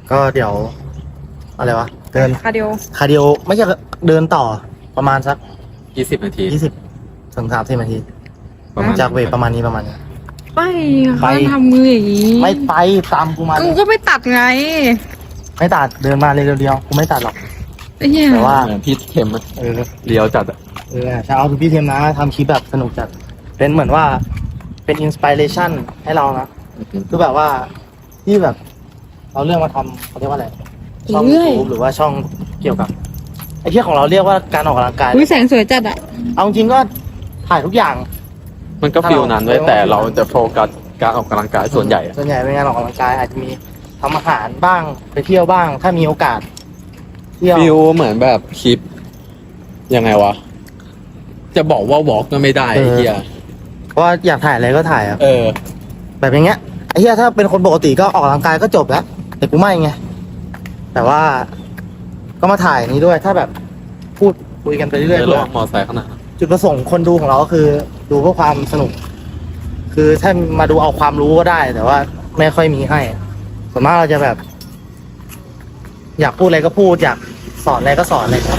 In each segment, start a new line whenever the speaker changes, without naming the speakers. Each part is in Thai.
ก็เดี๋ยวอะไรวะเดิน
คาร์ดิโอ
คาร์ดิโอไม่ใช่เดินต่อประมาณสัก
20 นาที
20 ถึง 30 นาที
ประมาณ
จากเวทประมาณนี้
ไป
ไป
เขาทำมืออย่างนี้
ไม่ไปตามกูมา
กูก็ไม่ตัดไง
ไม่ตัดเดินมาเลยเดียวๆกูไม่ตัดหรอก
ไอ้เหี้ย
แต่ว่า
เหมือนพี่เข็มอะ
เออ
เลี้ยวจัดอะ
เช้าพี่เทมนะทำคลิปแบบสนุกจัดเป็นเหมือนว่าเป็นอินสปิเรชันให้เรานะคือแบบว่าที่แบบเราเรื่องมาทำเขาเรียกว่าอะไรช่อง YouTube หรือว่าช่องเกี่ยวกับไอ้ที่ของเราเรียกว่าการออกกำลังกาย
อุ้ยแสงสวยจัดอ่ะ
เอาจริงก็ถ่ายทุกอย่าง
มันก็ฟิลนั้นไว้ยแต่เราจะโฟกัสการออกกำลังกายส่วนใหญ่อะ
ส่วนใหญ่เป็นงานออกกำลังกายอาจจะมีทำอาหารบ้างไปเที่ยวบ้าง ถ้ามีโอกาสเที่ยว
ฟิลเหมือนแบบคลิปยังไงวะ จะบอกว่าวอล์กก็ไม่ได้ไอ้เฮีย
เพราะว่าอยากถ่ายอะไรก็ถ่ายอะ
เออ
แบบอย่างเงี้ยไอ้เหี้ยถ้าเป็นคนปกติก็ออกกำลังกายก็จบแล้วแต่กูไม่ไงแต่ว่าก็มาถ่ายนี้ด้วยถ้าแบบพูดคุยกันไปเรื่อย
เดี๋ยว
ๆ
ล
เพื่อ
องมอไซค์ข้างหน้า
จุดประสงค์คนดูของเราก็คือ ดูเพื่อความสนุก คือถ้ามาดูเอาความรู้ก็ได้ แต่ว่าไม่ค่อยมีให้ส่วนมากเราจะแบบ อยากพูดอะไรก็พูด อยากสอนอะไรก็สอนอะไร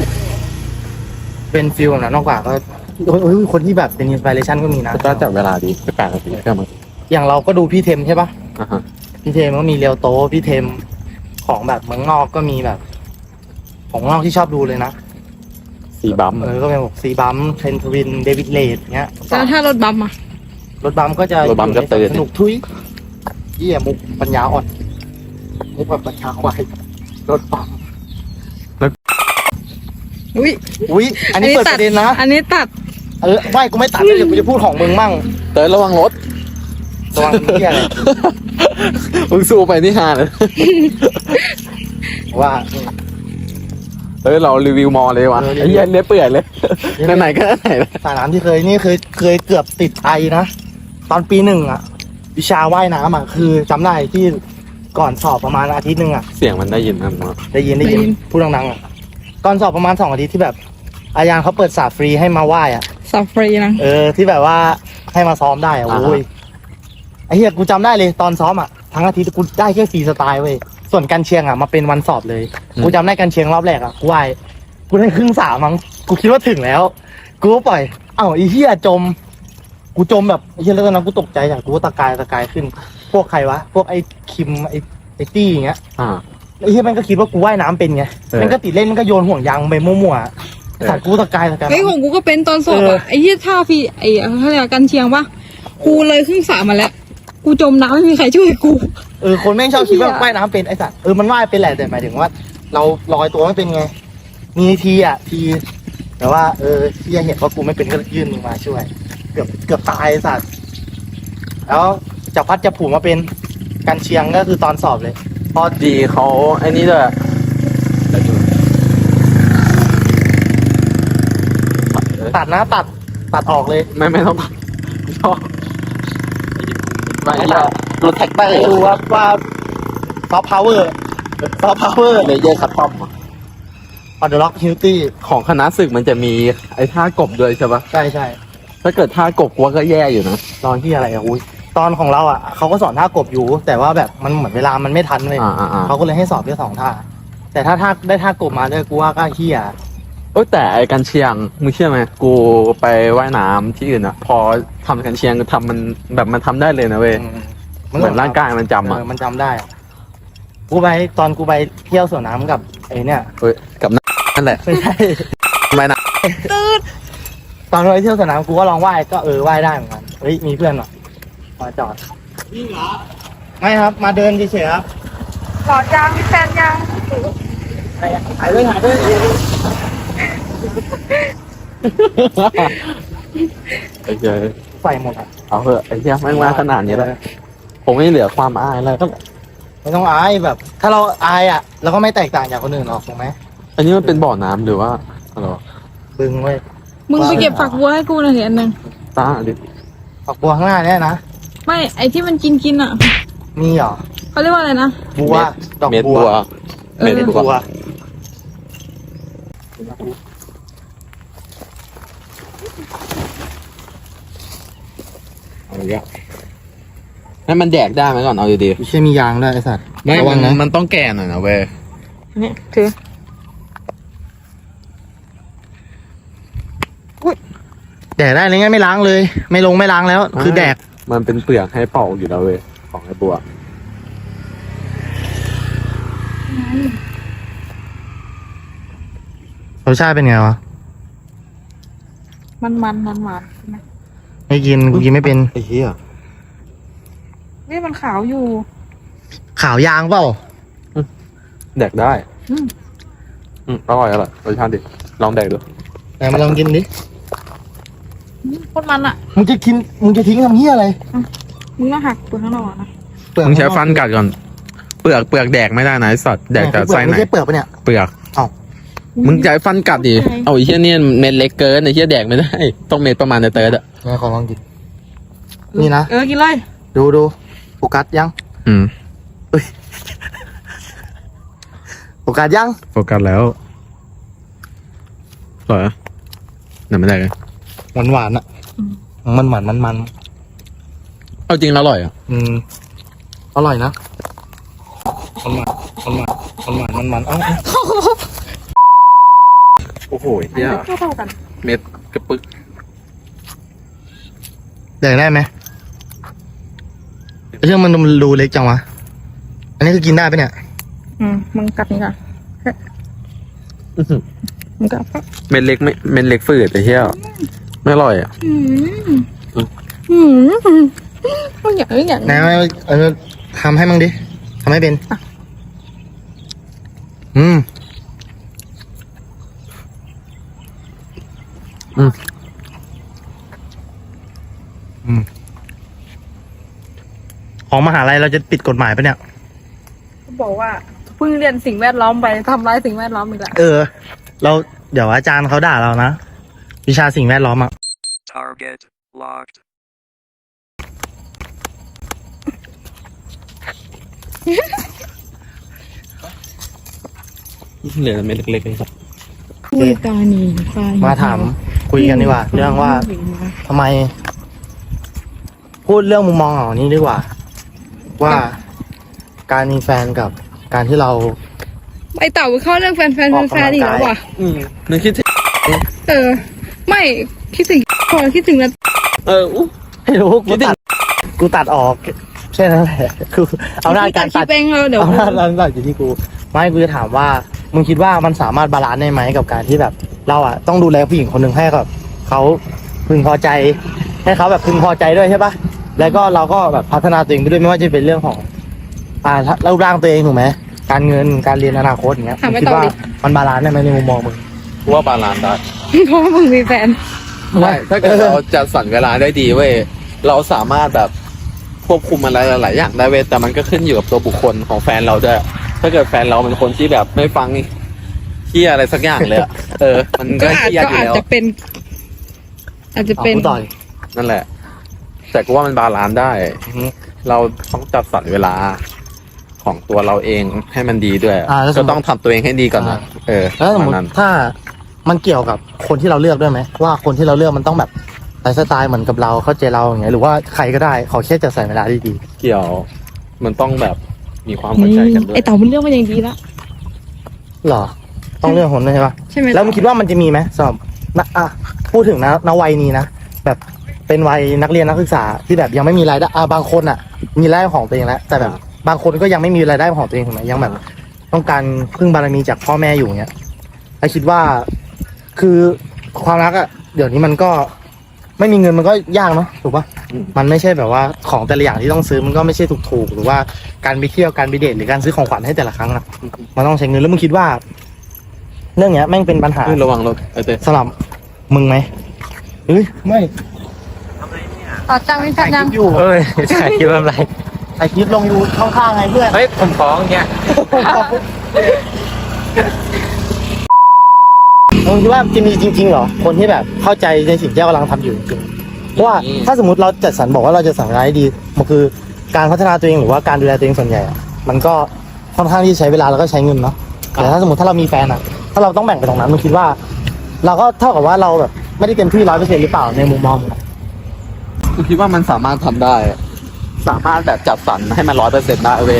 เป็นฟิลแบบนั้นมากกว่าก็โอ้ยคนที่แบบเป็นอินสปิเรชันก็มีนะ
ก็จับเวลาดี8 นาทีก็มัน
อย่างเราก็ดูพี่เทมใช่ปะ
อ่ะฮะ
พี่เทมก็มีเรียวโตพี่เทมของแบบเมืองนอกก็มีแบบ ของเมืองนอกที่ชอบดูเลยนะ
สีบัม
ก็เป็นแบบซีบัมเทรนทวินเดวิดเลดเงี้ย
แล้วถ้ารถบัมอ่ะ
รถบัมก็จะ
รถบัมก็ตื่น
สนุกทุยเยี่ยมุกปัญญาอ่อนมุกแบบปัญญาควายรถบัม
อุ้ย
อุ้ยอันนี้เปิดประเด็นนะ
อันนี้ตัด
ไม่กูไม่ตัดเลยเดี๋ยวกูจะพูดของมึงมั่ง
เต้ยระวังรถ
ระวังเที่ยอะไร
มึงสู้ไปนี่ฮาเลย
ว่า
เฮ้ยเรารีวิวมอเลยวะ
เออรีวิว
ไอ้เหี้ยเลี้ยเปื่อยเลยไหนๆก็ไหนแล้ว
สระน้ำที่เคยนี่เคยเกือบติดไอนะตอนปี 1อะวิชาว่ายน้ำอะคือจำได้ที่ก่อนสอบประมาณอาทิตย์หนึ่งอะ
เสียงมันได้ยินนะมั้ง
ได้ยินพูดดังๆอะก่อนสอบประมาณ2 อาทิตย์ที่แบบ อาจารย์เขาเปิดสระฟรีให้มาว่ายอะ
สับฟรีนะ
ที่แบบว่าให้มาซ้อมได้อะโอ้ยไอ้เหี้ยกูจำได้เลยตอนซ้อมอะทั้งอาทิตย์กูได้แค่ฟรีสไตล์เว้ยส่วนกันเชียงอะมาเป็นวันสอบเลยกูจำได้กันเชียงรอบแรกอะกูว่ายกูได้ครึ่งสระมั้งกูคิดว่าถึงแล้ว กูก็ปล่อยไอ้เหี้ยจม กูจมแบบไอ้เหี้ยแล้วตอนนั้นกูตกใจอย่างกูก็ตะกายขึ้น พวกใครวะพวกไอ้คิมไอ้ตี้อย่างเงี้ย
อ่า
ไอ้เหี้ยมันก็คิดว่ากูว่ายน้ำเป็นไง
เออ
มันก็ติดเล่นมันก็โยนห่วงยางไปมั่วๆสัตว์กูตะกาย
เฮ้ยของกูก็เป็นตอนสอบอ่ะไอ้เหี้ยท่าฟรีไอ้เขาเรียกว่ากันเชียงปะกูเลยครึ่งสระมาแล้ว กูจมน้ำไม่มีใครช่วยกู
คนแม่งชอบคิดว่า
เหี้ย
ว่ายน้ำเป็นไอ้สัตว์มันว่ายเป็นแหละแต่หมายถึงว่า เราลอยตัวไม่เป็นไง มีทีแต่ว่าที่เห็นว่ากูไม่เป็นก็ยื่นมือมาช่วย เกือบตายไอ้สัตว์แล้วจับพัดจับผูมาเป็นกันเชียงก็คือตอนสอบเลย
พอดีเขาไอ้นี่ด้วย
ตัดนะตัดออกเลย
ไม่ต้องชอบไม่
ตั
ยา
ดรถแท็กเตอร์ดูว่าซอฟต์พาวเวอร์
เลเยอร์คัตตอม
ออเดอร์ล็อกฮิลตี้
ของคณะศึกมันจะมีไอ้ท่ากบด้วยใช่ปะ
ใช่
ถ้าเกิดท่ากบกูว่าก็แย่อยู่นะ
ตอนที่อะไรอุ้ยตอนของเราเขาก็สอนท่ากบอยู่ แต่ว่าแบบมันเหมือนเวลามันไม่ทันเลย
อ่า
เขาก็เลยให้สอบแค่2 ท่า แต่ถ้าได้ท่ากบมาด้วยกูว่าก็เฮีย
เอ้ยแต่ไอ้กันเชียงมึงเชื่อไหมกูไปว่ายน้ำที่อื่นอะพอทำกันเชียงทำมันแบบมันทำได้เลยนะเว้ยเหมือนร่างกายมันจำอะ
มันจำได้กูไปเที่ยวสวนน้ำกับไอ้เนี่ย
เฮ้ยกับนั่นแหละ
ไม่ใช่
ไม่นะ
ตอนไปเที่ยวสวนน้ำกูก็ลองว่ายก็ว่ายได้เหมือนกันเฮ้ยมีเพื่อนหรอมาจอดนี่เหรอไม่ครับมาเดินเฉยๆครับ
หลอดยางมีแฟนยัง
ถ่ายด้วย
โอเค
ใส่หมดอ่ะ
เอาเถอะไอ้เหี้ยแม่งมาขนาดนี้แล้วผมไม่เหลือความอายแล้ว
ไม่ต้องอายแบบ ถ้าเราอายเราก็ไม่แตกต่างจากคนอื่นหรอกถูกไหม
อันนี้มันเป็นบ่อน้ำหรือว่าอะไรวะ
บึงเว้ย
มึงไปเก็บฝักบัวให้กูหน่อยเถอะอันหนึง
ตาดิ
ฝักบัวข้างหน้าเนี่ยนะ
ไม่ไอ้ที่มันกินอ่ะ
มีเหรอ
เขาเรียกว่าอะไรนะ
บัวดอก
เม็ด
บั
บั
ว
ว
เออ
เม็ดบั
บั
ว
ว
เอาอย่างเงี้ยนั่นมันแดกได้ไหมก่อนเอาดี
ไม่ใช่มียางด้วยไอ้สัตว์
ไม่
ระวั
มั
ง
น
นะ
มันต้องแก่หน่อยนะเว้ย
นี่ถือ
แดกได้เลยงั้นไม่ล้างเลย ไม่ลงไม่ล้างแล้ว คือแดก
มันเป็นเปลือกให้เป่าอยู่แล้วเว้ยของไอ้บัว
รสชาติเป็นไงวะ
มันใช่ไหม
ไม่กินกูกินไม่เป็น
ไอ้เหี้ย
นี่มันขาวอยู่
ขาวยางเปล่า
แดกได้
อืม
อร่อยรสชาติดิลองแดกดู
ไหนมาลองกินดิ
โคตรมันอ่ะ
มึงจะกินมึงจะทิ้งทำเหี้ยอะไร
มึงต้องหักตัวข้างนอกอะนะ
เปลือก
มึงใช้ฟันกัดก่อน เปลือกแดกไม่ได้นะไอ้สัตว์แดกแต่ไส้ไหน
ไม่ใช่เปลือกปะเนี่ย
เปลือก
เอ้า
มึงใช้ฟันกัดดิเอาไอ้เหี้ยเนี่ยเม็ดเล็กเกินไอ้เหี้ยแดกไม่ได้ ต้องเม็ดประมาณในเติร์ดอะ
ไหนขอลองกิน นี่นะ
กินเลย
ดูโฟกัสยัง
อืม
โฟกัสยัง
โฟกัสแล้วอร่อยอะไหนไม่ได้เลย
หวานอ่ะ มันมัน
เอาจริงแล้วอร่อยอ่ะ
อร่อยนะมันเอ้า
โอ้โหเหี้ย
เท่ากัน
เม็ดกระปึก
แดกได้ไหมไอ้เรื่องมันดูเล็กจังวะ อันนี้คือกินได้ปะเนี่ย
มึงกัดนี่ก่อนมึงกัด
เม็ดเล็กไม่เม็ดเล็กฝืดไอ้เหี้ยไม่อร่อยอ่ะ
มึงอย่างนี้อย่าง
ไหนเอาทำให้มึงดิทำให้เป็น ของมหาลัยเราจะปิดกฎหมายปะเนี่ย
บอกว่าเพิ่งเรียนสิ่งแวดล้อมไปทำร้ายสิ่งแวดล้อมอีกแล้ว
เราเดี๋ยวอาจารย์เขาด่าเรานะ วิชาสิ่งแวดล้อมอ่ะ
Target locked.
เหลือเม็ดเล็กๆเลยครับ
คุยตานีตา
มาถามคุยกันดีกว่า เรื่องว่าทำไม พูดเรื่องมุมมองของนี้ดีกว่า ว่าการมีแฟนกับการที่เรา
ไอเต่าเข้าเรื่องแฟนอีกแล้วว่ะ
นึกคิดถึง
ไม่คิดถึงพอคิดถึงแล้ว
ไม่รู้กูตัดออกแค่นั้นแหละคือเอาหน้าการตัด
คิดเองเดี๋ยว
เอาหน้าการตัดอยู่ที่กูไม่กูจะถามว่ามึงคิดว่ามันสามารถบาลานซ์ได้ไหมกับการที่แบบ เราอ่ะต้องดูแลผู้หญิงคนหนึ่งให้กับเขาพึงพอใจ ให้เขาแบบพึงพอใจด้วยใช่ปะแล้วก็เราก็แบบพัฒนาตัวเองไปด้วยไม่ว่าจะเป็นเรื่องของรูปร่างตัวเองถูกไหมการเงินการเรียนอนาคตอย่างเงี้ยมึงคิดว่ามันบาลานซ์ได้ไหมในมุมมองมึง
กูว่าบาลานซ์ได้
เพราะว่ามึงมีแฟน
ไม่ถ้าเกิดเราจัดสรรเวลาได้ดีเว้ยเราสามารถแบบควบคุมอะไรหลายๆอย่างได้เว้ยแต่มันก็ขึ้นอยู่กับตัวบุคคลของแฟนเราด้วยถ้าเกิดแฟนเราเป็นคนที่แบบไม่ฟังเที่ยอะไรสักอย่างเลยอะมันก็
ก็อาจ
เที่ยอยู่แล้ว
จะเป็น อาจจะเป็น
กูต่อย
นั่นแหละ แต่กูว่ามันบาลานซ์ได้ เราต้องจัดสรรเวลาของตัวเราเองให้มันดีด้วย
แล้วสมมุติ
ก็ต้องทำตัวเองให้ดีก่อนนะ
แล้วสมม
ประ
ติ
นั้น
ถ้ามันเกี่ยวกับคนที่เราเลือกด้วยไหมว่าคนที่เราเลือกมันต้องแบบไลฟ์สไตล์เหมือนกับเราเข้าใจเราอย่างเงี้ยหรือว่าใครก็ได้ขอแค่จะใส่เวลาได้ดี
เกี่ยวมันต้องแบบมีความเข้าใจกันด้ว
ไอย เต่ามันเรื่องมันอย่างดีละ
หรอ ต้องเลือกคนด้วยใช่ปะ
ใช่ไหม
แล้วมึงคิดว่ามันจะมีไหมสำหรับพูดถึงณวัยนี้นะแบบเป็นวัยนักเรียนนักศึกษาที่แบบยังไม่มีรายได้บางคนมีรายได้ของตัวเองแล้วแต่แบบบางคนก็ยังไม่มีรายได้ของตัวเองถูกไหมยังแบบ ต้องการพึ่งบารมีจากพ่อแม่อยู่เงี้ยไอคิดว่าคือความรักเดี๋ยวนี้มันก็ไม่มีเงินมันก็ยากเนาะถูกปะมันไม่ใช่แบบว่าของแต่ละอย่างที่ต้องซื้อมันก็ไม่ใช่ถูกหรือว่าการไปเที่ยวการไปเดทหรือการซื้อของขวัญให้แต่ละครั้งนะมันต้องใช้เงินแล้วมึงคิดว่า เรื่องเนี้ยแม่งเป็นปัญหา
ระวังรถเต้
สำหรับมึงไหมเฮ้ยไม่
ตัดจังไม่ตัดยัง
อยู่
เอ้ยถ่ายคลิปอะไร
ไอคลิปลงอยู่ข้างๆไงเพื่อน
เฮ้ย ผมฟ้องเนี่ย
มึงคิดว่าจะมีจริงๆเหรอคนที่แบบเข้าใจในสิ่งที่เรากำลังทำอยู่จริงๆเพราะว่าถ้าสมมติเราจัดสรรบอกว่าเราจะสั่งรายได้ดีมันคือการพัฒนาตัวเองหรือว่าการดูแลตัวเองส่วนใหญ่มันก็ค่อนข้างที่ใช้เวลาแล้วก็ใช้เงินเนาะแต่ถ้าสมมติถ้าเรามีแฟนถ้าเราต้องแบ่งไปตรงนั้นมึงคิดว่า เราก็เท่ากับว่าเราแบบไม่ได้เต็มที่100%หรือเปล่าในมุมมองมึง
กูคิดว่ามันสามารถทำได้ สามารถแบบจัดสรรให้มัน100%ได้เว้ย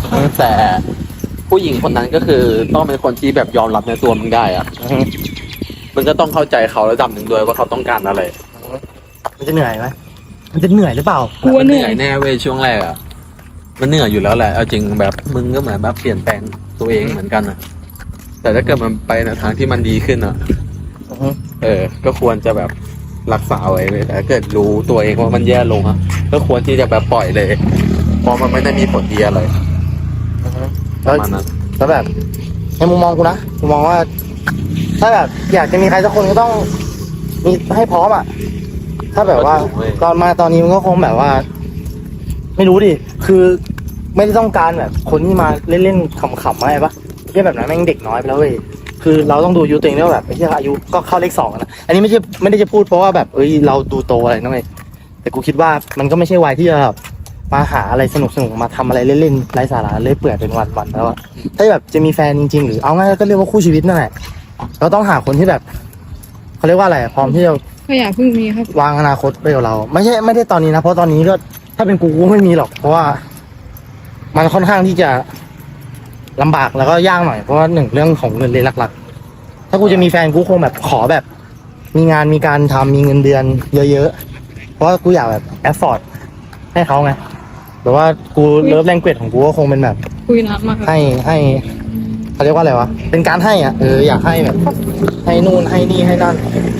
แต่ผู้หญิงคนนั้นก็คือต้องเป็นคนที่แบบยอมรับในตัวมึงได้อะมึงก็ต้องเข้าใจเขาระดับหนึ่งด้วยว่าเขาต้องการอะไร
มันจะเหนื่อยไหมมันจะเหนื่อยหรือเปล่า
กลัวเหนื่อย
แน่เว้ยช่วงแรกอะมันเหนื่อยอยู่แล้วแหละเอาจริงแบบมึงก็เหมือนแบบเปลี่ยนแปลงตัวเองเหมือนกันอะแต่ถ้าเกิดมันไปในทางที่มันดีขึ้นอะก็ควรจะแบบรักษาไว้เลยแต่ถ้าเกิดรู้ตัวเองว่ามันแย่ลงอะก็ควรที่จะแบบปล่อยเลยเพราะมันไม่ได้มีผลดีอะไรป
แล้
ระ
ว
มาณนั้น
แล้วแบบในมุมมองกูนะกูมองว่า ถ้าแบบอยากจะมีใครสักคนก็ต้องมีให้พร้อมอ่ะ ถ้าแบบว่าตอนมาตอนนี้มันก็คงแบบว่า ไม่รู้ดิคือไม่ได้ต้องการแบบ คนที่มาเล่นๆขำๆอะไรปะแค่แบบนั้นแม่งเด็กน้อยไปแล้วเว้ยคือเราต้องดูอายุตัวเองด้วยว่าแบบไอ้ที่อายุก็เข้าเลข 2นะอันนี้ไม่ได้จะพูดเพราะว่าแบบเราดูโตอะไรนั่นเองแต่กูคิดว่ามันก็ไม่ใช่วัยที่จะแบบมาหาอะไรสนุกมาทำอะไรเล่นๆไร้สาระเล่อยเปื่อยเป็นวันๆแล้วอะถ้าแบบจะมีแฟนจริงๆหรือเอาง่ายก็เรียกว่าคู่ชีวิตนั่นแหละเราต้องหาคนที่แบบเขาเรียกว่าอะไรพร้อมที่จะ
ก็อย่าเพิ่งมีครับ
วางอนาคตไปกับเรา ไม่ได้ตอนนี้นะเพราะตอนนี้ก็ถ้าเป็นกูไม่มีหรอก เพราะว่ามันค่อนข้างที่จะลำบากแล้วก็ยากหน่อยเพราะว่าหนึ่งเรื่องของเงินเลยหลักๆถ้ากูจะมีแฟนกูคงแบบขอแบบ มีงานมีการทำมีเงินเดือนเยอะๆเพราะว่ากูอยากแบบแอฟฟอร์ดให้เขาไงแต่ว่ากูเลิฟแรงเกจของกูก็คงเป็นแบบ
คุยนานมากครับ
ให้เขาเรียกว่าอะไรวะเป็นการให้อ่ะอยากให้แบบ ให้นู่นให้นี่ให้นั่น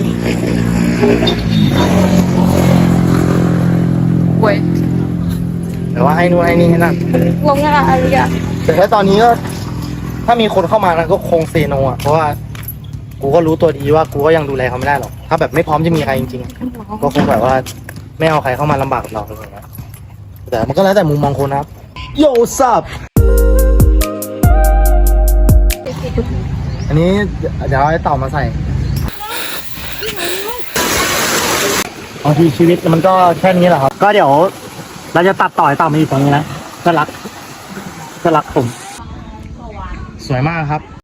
เว้ย
แต่ว่าให้นู่นให้นี่ให้นั่น
ลงงานอะไรอ่ะ
แต่ถ้าตอนนี้ก็ ถ้ามีคนเข้ามานะก็คงเซโนอ่ะเพราะว่ากูก็รู้ตัวดีว่ากูก็ยังดูแลเขาไม่ได้หรอกถ้าแบบไม่พร้อมจะมีใครจริงๆก็คงแบบว่าไม่เอาใครเข้ามาลำบากกับเราอะไรอย่างเงี้ยแต่มันก็แล้วแต่มุมมองคนนะครับโยซับอันนี้เดี๋ยวเอาไอ้เต่ามาใส่บางทีชีวิตมันก็แค่นี้แหละครับ ก็เดี๋ยวเราจะตัดต่อไอ้เต่ามาอยู่ตรงนี้นะก็รักผม สวยมากครับ